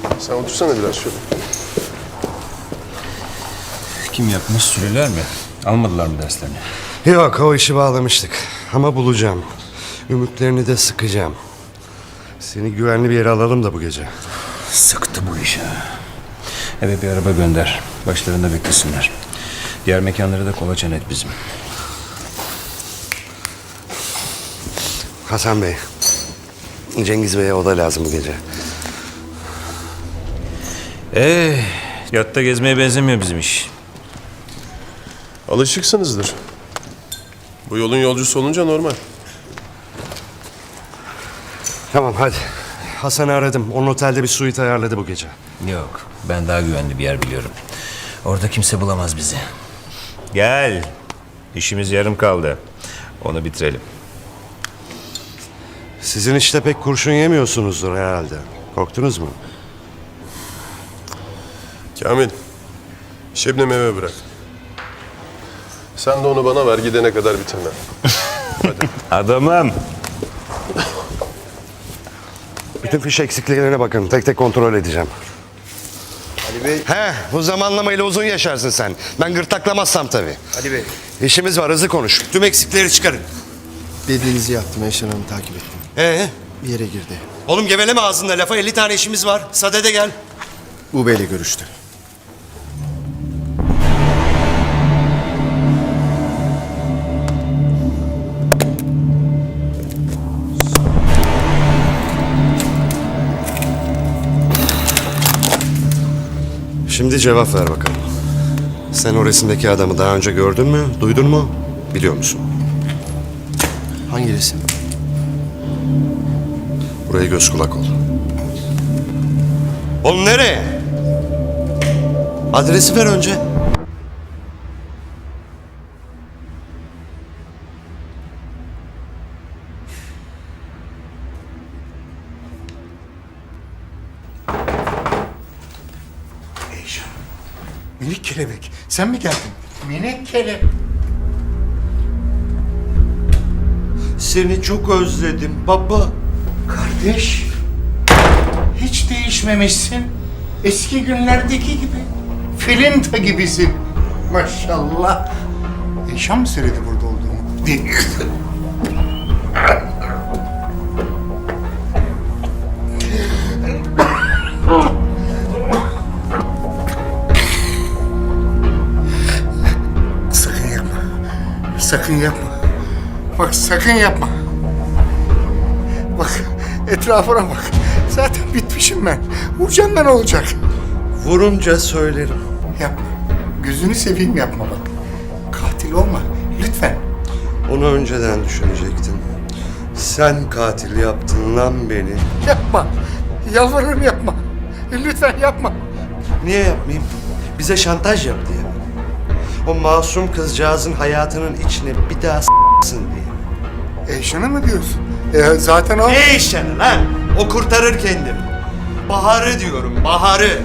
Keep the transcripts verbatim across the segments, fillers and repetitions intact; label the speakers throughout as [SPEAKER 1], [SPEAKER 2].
[SPEAKER 1] Sen otursana biraz şöyle.
[SPEAKER 2] Kim yapmış? Sürüler mi? Almadılar mı derslerini?
[SPEAKER 3] Yok, o işi bağlamıştık. Ama bulacağım. Ümitlerini de sıkacağım. Seni güvenli bir yere alalım da bu gece.
[SPEAKER 2] Sıktı bu iş ha. Eve bir araba gönder. Başlarında beklesinler. Diğer mekanları da kolaçan et bizim.
[SPEAKER 3] Hasan Bey, Cengiz Bey'e oda lazım bu gece.
[SPEAKER 2] Ee, yatta gezmeye benzemiyor bizim iş.
[SPEAKER 1] Alışıksınızdır. Bu yolun yolcusu olunca normal.
[SPEAKER 3] Tamam, hadi. Hasan'ı aradım. Onun otelde bir suite ayarladı bu gece.
[SPEAKER 2] Yok, ben daha güvenli bir yer biliyorum. Orada kimse bulamaz bizi. Gel. İşimiz yarım kaldı. Onu bitirelim.
[SPEAKER 3] Sizin işte pek kurşun yemiyorsunuzdur herhalde. Korktunuz mu?
[SPEAKER 1] Kamil, Şebnem'i eve bırak. Sen de onu bana ver, gidene kadar bitirme. Hadi.
[SPEAKER 2] Adamım.
[SPEAKER 3] Bütün fiş eksikliklerine bakın. Tek tek kontrol edeceğim.
[SPEAKER 4] Ali Bey.
[SPEAKER 3] He, bu zamanlamayla uzun yaşarsın sen. Ben gırtlaklamazsam tabii.
[SPEAKER 4] Ali Bey.
[SPEAKER 3] İşimiz var, hızlı konuş. Tüm eksikleri çıkarın.
[SPEAKER 4] Dediğinizi yaptım. Eşen Hanım'ı takip ettim.
[SPEAKER 3] Ee,
[SPEAKER 4] Bir yere girdi.
[SPEAKER 3] oğlum geveleme ağzında lafa. elli tane işimiz var. Sadede gel.
[SPEAKER 4] Bu beyle görüştü.
[SPEAKER 3] Şimdi cevap ver bakalım. Sen o resimdeki adamı daha önce gördün mü, duydun mu, biliyor musun?
[SPEAKER 4] Hangi resim?
[SPEAKER 3] Buraya göz kulak ol. Oğlum nereye? Adresi ver önce.
[SPEAKER 5] Minik kelebek, sen mi geldin? Minik kelebek.
[SPEAKER 3] Seni çok özledim baba.
[SPEAKER 5] Kardeş, hiç değişmemişsin. Eski günlerdeki gibi. Filinta gibisin. Maşallah. Eşan mı söyledi burada olduğumu? Değil. Sakın yapma. Sakın yapma. Bak sakın yapma. Bak etrafına bak. Zaten bitmişim ben. Vuracağım ben olacak.
[SPEAKER 3] Vurunca söylerim.
[SPEAKER 5] Yapma. Gözünü seveyim yapma bak. Katil olma. Lütfen.
[SPEAKER 3] Onu önceden düşünecektin. Sen katil yaptın lan beni.
[SPEAKER 5] Yapma. Yalvarırım yapma. Lütfen yapma.
[SPEAKER 3] Niye yapmayayım? Bize şantaj yap diye mi? O masum kızcağızın hayatının içine bir daha s**sın diye.
[SPEAKER 5] Eyşan'ı mı diyorsun? E, zaten o...
[SPEAKER 3] Ne işini lan? O kurtarır kendini. Baharı diyorum, Baharı.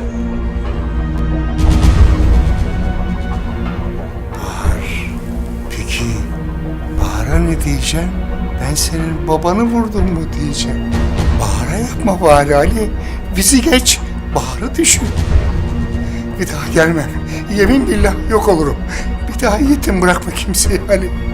[SPEAKER 5] Peki Bahar'a ne diyeceğim? Ben senin babanı vurdum mu diyeceğim. Bahar'a yapma bari Ali. Bizi geç. Bahar'ı düşün. Bir daha gelmem. Yemin billah yok olurum. Bir daha yetim bırakma kimseyi Ali.